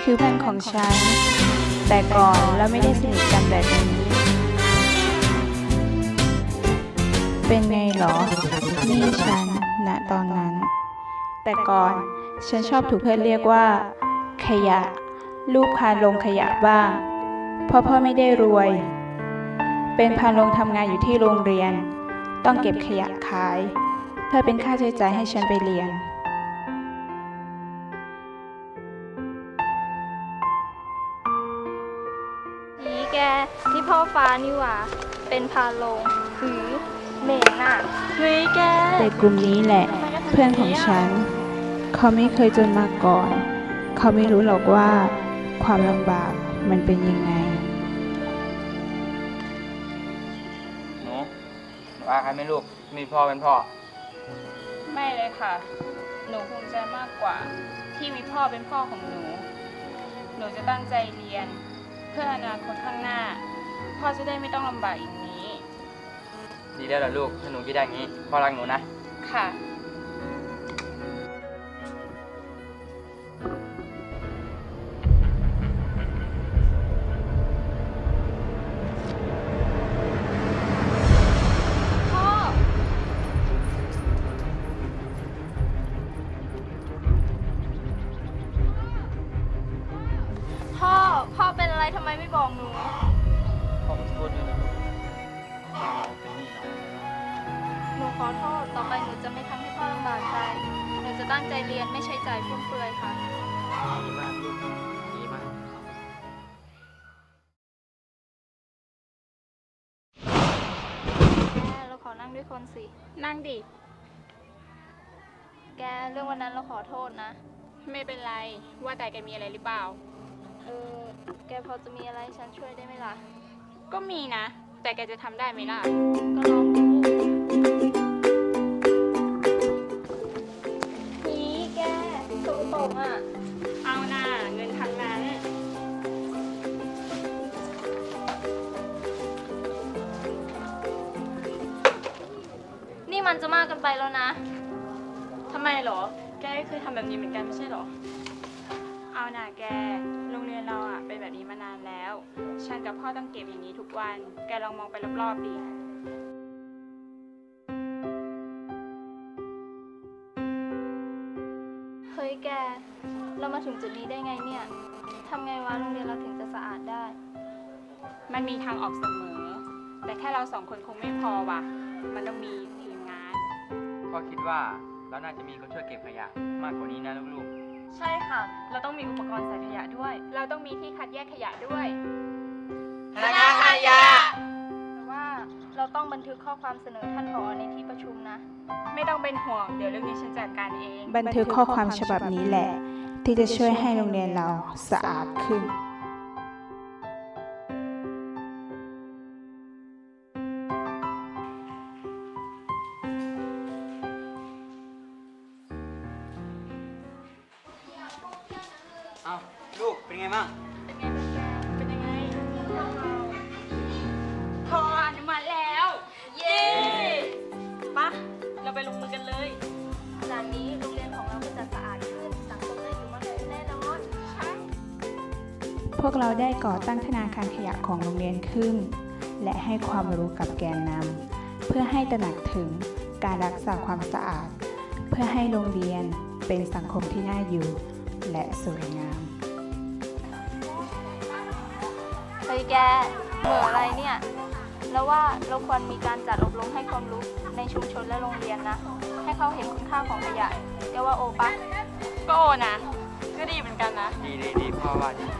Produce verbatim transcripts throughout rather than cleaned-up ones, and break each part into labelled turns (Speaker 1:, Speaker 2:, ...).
Speaker 1: คือเพื่อนของฉันแต่ก่อนเราไม่ได้สนิทกันแบบนี้เป็นไงหรอนี่ฉันณตอนนั้นแต่ก่อนฉันชอบถูกเพื่อนเรียกว่าขยะลูกพาลงขยะบ้างเพราะพ่อไม่ได้รวยเป็นพาลงทำงานอยู่ที่โรงเรียนต้องเก็บขยะขายเพื่อเป็นค่าใช้จ่ายให้ฉันไปเรียน
Speaker 2: นี่แกที่พ่อฟ้านี่หว่าเป็นพาลงหือเหม็นน่ะเฮ้ยแก
Speaker 1: เด็กกลุ่มนี้แหละเพื่อนของฉันเขาไม่เคยจนมาก่อนเขาไม่รู้หรอกว่าความลำบากมันเป็นยังไง
Speaker 3: หนูหนูอาใครไม่ลูกมีพ่อเป็นพ่อ
Speaker 4: ไม่เลยค่ะหนูภูมิใจมากกว่าที่มีพ่อเป็นพ่อของหนูหนูจะตั้งใจเรียนเพื่ออนาคตข้างหน้าพ่อจะได้ไม่ต้องลำบากอีกนี้
Speaker 3: ดีแล้วล่ะลูกถ้าหนูคิดได้อย่างนี้พ่อรักหนูนะ
Speaker 4: ค่ะ
Speaker 2: พ่อพ่อเป็นอะไรทำไมไม่บอกหนู
Speaker 3: พ่อขอโทษด้วยนะลูกเป็นหนี้เรา
Speaker 2: หนูขอโทษต่อไปหนูจะไม่ทำให้พ่อลำบากใจหนูจะตั้งใจเรียนไม่ใช้จ่ายฟุ่มเฟือยค่ะ
Speaker 3: ดีมากลูกดีมาก
Speaker 2: แกเราขอนั่งด้วยคนสิ
Speaker 4: นั่งดิ
Speaker 2: แกเรื่องวันนั้นเราขอโทษนะ
Speaker 4: ไม่เป็นไรว่าแต่แกมีอะไรหรือเปล่า
Speaker 2: เออแกพอจะมีอะไรฉันช่วยได้ไหมล่ะ
Speaker 4: ก็มีนะแต่แกจะทำได้ไหมล่ะ
Speaker 2: ก็ลองดูนี่แกตรงตรงอ่ะ
Speaker 4: เอาหน้าเงินทั้งนั้น
Speaker 2: นี่มันจะมากกันไปแล้วนะ
Speaker 4: ทำไมหรอแกเคยทำแบบนี้เหมือนกันไม่ใช่หรอเอาหน่าแกโรงเรียนเราอ่ะเป็นแบบนี้มานานแล้วฉันกับพ่อต้องเก็บอย่างนี้ทุกวันแกลองมองไปรอบๆดิ
Speaker 2: เฮ้ยแกเรามาถึงจุดนี้ได้ไงเนี่ยทำไงวะโรงเรียนเราถึงจะสะอาดได้
Speaker 4: มันมีทางออกเสมอแต่แค่เราสองคนคงไม่พอว่ะมันต้องมีทีมงาน
Speaker 3: พ่อคิดว่าเราน่าจะมีคนช่วยเก็บขยะมากกว่านี้นะลูก
Speaker 4: ใช่ค่ะเราต้องมีอุปกรณ์ใส่ขยะด้วยเราต้องมีที่คัดแยกขยะด้วย
Speaker 3: พนักงานขยะ
Speaker 2: แต่ว่าเราต้องบันทึกข้อความเสนอท่านผอ.ในที่ประชุมนะ
Speaker 4: ไม่ต้องเป็นห่วงเดี๋ยวเรื่องนี้ฉันจัดการเอง
Speaker 1: บันทึกข้อความฉบับนี้แหละที่จะช่วยให้โรงเรียนเราสะอาดขึ้น
Speaker 3: เอาลูกเป็นไงบ้าง
Speaker 2: เป็นไงบ้างแก
Speaker 4: เป็นยังไงพออนุมัติแล้วเย้ปะเราไปลงมือกันเลย
Speaker 2: จากนี้โรงเรียนของเราก็จะสะอาดขึ้นสังคมน่าอยู่มากขึ้นแน่นอนใช่
Speaker 1: พวกเราได้ก่อตั้งธนาคารขยะของโรงเรียนขึ้นและให้ความรู้กับแกนนำเพื่อให้ตระหนักถึงการรักษาความสะอาดเพื่อให้โรงเรียนเป็นสังคมที่น่าอยู่และสวยงาม
Speaker 2: เฮ้ยแกเบื่ออะไรเนี่ยแล้วว่าเราควรมีการจัดอบรมให้ความรู้ในชุมชนและโรงเรียนนะให้เขาเห็นคุณค่าของขยะแกว่าโอปะ
Speaker 4: ก็โอนะก็ดีเหมือนกันนะ
Speaker 3: ดีดีดีพ่อว่าดี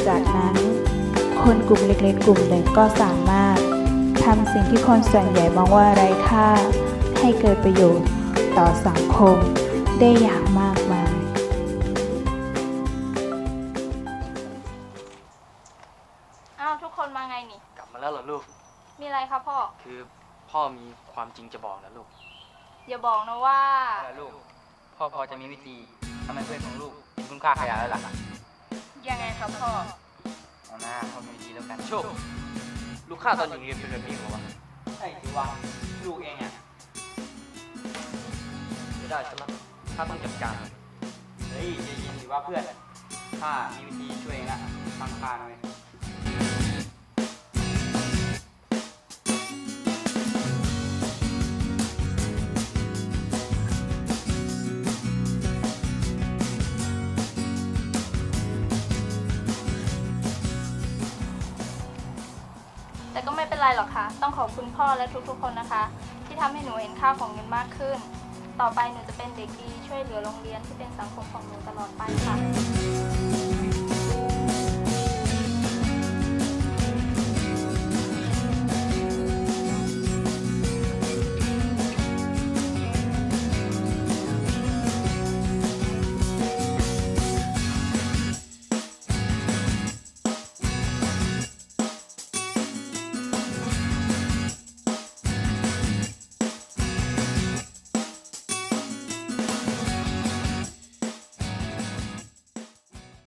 Speaker 1: จากนั้น คนกลุ่มเล็กๆกลุ่มหนึ่งก็สามารถทำสิ่งที่คนส่วนใหญ่มองว่าไร้ค่าให้เกิดประโยชน์ต่อสังคมได้อย่างมากมาย
Speaker 2: อ้าวทุกคนมาไงนี่
Speaker 5: กลับมาแล้วเหรอลูก
Speaker 2: มีอะไรคะพ่อ
Speaker 5: คือพ่อมีความจริงจะบอกนะลูก
Speaker 2: อย่าบอกนะว่า
Speaker 3: แล้วลูก พ่อพอจะมีวิธีทำให้เพื่อนของลูกมีคุณค่าขยะแล้วล่ะ
Speaker 4: ยังไงครับพ่อ
Speaker 3: เอาหน้าพ่อมีวิธีแล้วกัน
Speaker 5: โชค ลูกข้าตอนอยู่เรียนเป็นแบบนี้เหรอวะ
Speaker 3: ไอ้ที่ว่าลูกเองอ่ะ
Speaker 5: ไม่ได้ใช่ไหมข้าต้องจัดการ
Speaker 3: เฮ้ยใจเย็นสิว่าเพื่อนข้ามีวิธีช่วยเองละฟังข้าหน่อย
Speaker 2: แต่ก็ไม่เป็นไรหรอกค่ะ ต้องขอบคุณพ่อและทุกๆคนนะคะ ที่ทำให้หนูเห็นค่าของเงินมากขึ้น ต่อไปหนูจะเป็นเด็กดีช่วยเหลือโรงเรียนที่เป็นสังคมของหนูตลอดไปค่ะ